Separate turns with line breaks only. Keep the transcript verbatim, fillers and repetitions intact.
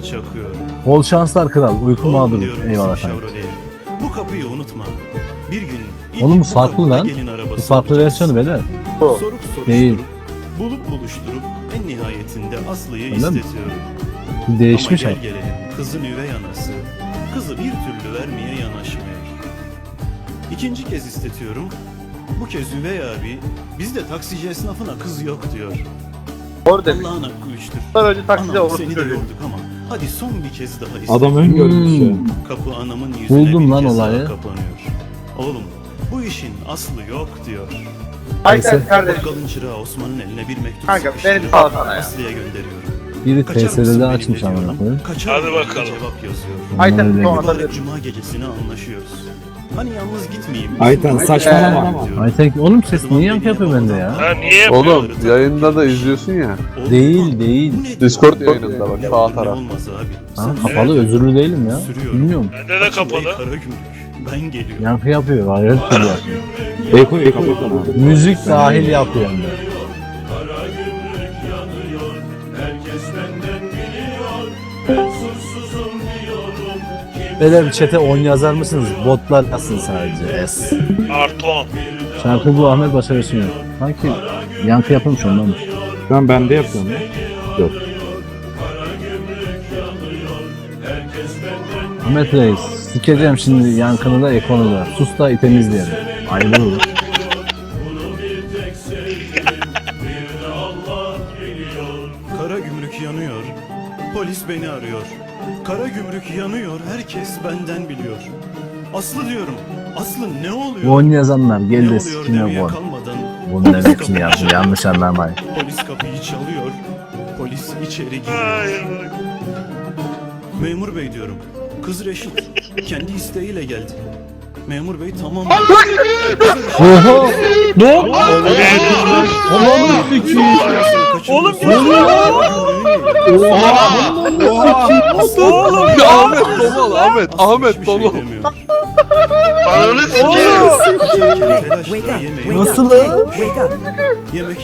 çakıyor.
Bol şanslar kral. Uyku
Oğlum
mağduru.
diyorum
Eyvallah
bizim
efendim.
Chevrolet'e, bu kapıyı unutma. Bir gün ilk
Oğlum bu
bu
farklı
kapıda
lan.
gelin arabası
Bu farklı
alacağız.
versiyonu beyler.
Sorup soruşturup,
Değil.
bulup buluşturup en nihayetinde Aslı'yı
Öyle mi?
istetiyorum.
Değişmiş
Ama
abi.
gel gelelim kızın üvey anası kızı bir türlü vermeye yanaşmıyor. İkinci kez istetiyorum. Bu kez üvey abi bizde taksici esnafına kız yok diyor.
Doğru demiş.
Allah'ın hakkı üçtür.
Bunlar önce takside
Anam
olur.
seni de yorduk ama hadi son bir kez daha iste.
Adam öngörmüş ya.
Hmm.
Kapı anamın yüzüne
Buldum
bir
lan
kez daha
olayı.
kapanıyor. Oğlum bu işin aslı yok diyor.
Ayten
Neyse.
kardeşim.
Bakkalın çırağı Osman'ın eline bir mektup
Kanka,
sıkıştırıyor.
beni salsana ya.
Aslı'ya gönderiyorum.
Biri
Kaçar mısın
T S R'de
benimle
açmış
diyorum.
amına koyayım.
Kaçar
Hadi
mı?
bakalım.
Cevap yazıyor.
Ayten
Öyle
sonra
gidiyor.
da
Mübarek cuma gecesine anlaşıyoruz. Hani yalnız gitmeyeyim.
Ayten,
Bizim
saçmalama.
diyorum.
Aytek oğlum ses niye yankı yapıyor bende ya?
Ha niye yapıyor?
Oğlum yayında da izliyorsun ya.
Oğlum,
Değil değil.
bu nedir?
Discord yayınında bak sağ
Ne
taraf.
olmaz abi.
Ha,
Sen
kapalı özürlü değilim ya.
Sürüyorum.
Bilmiyorum.
Bende de
Açın Bey
kapalı.
Karagümrük. Ben geliyorum.
Yankı yapıyor. Hayret duruyor.
Eko eko eko.
Müzik dahil yapıyor hem de. Beyler bir chat'e on yazar mısınız? Botlar yazsın sadece. S.
Artı on.
Şarkı bu Ahmet Başarı sunuyor. Sanki yankı yapılmış ondanmış.
Şu an bende yapıyorum ya. Yok.
Ahmet Reis, sikeceğim şimdi yankını da ekonu da. Sus da temizleyelim. Ayrı olur.
Kara gümrük yanıyor. Polis beni arıyor. Kara gümrük yanıyor. Herkes benden biliyor. Aslı diyorum. Aslı ne oluyor?
on yazanlar
ne
gel de
oluyor
sikine
demeye
bon.
kalmadan
Bunun ne biçim yazdı yanlış anlamayın.
polis kapıyı çalıyor. Polis içeri giriyor.
Hayır.
Memur bey diyorum. Kız Reşit kendi isteğiyle geldi. Memur bey tamam.
Oha! Ne oldu? Allah'ım sikiyim.
Oğlum
Ne oluyor? Oha!
Oğlum
Ya Ahmet Dolal Ahmet Ahmet Dolal.
ananı sikeyim.
Nasıl?
Nasıl lan?
Yemek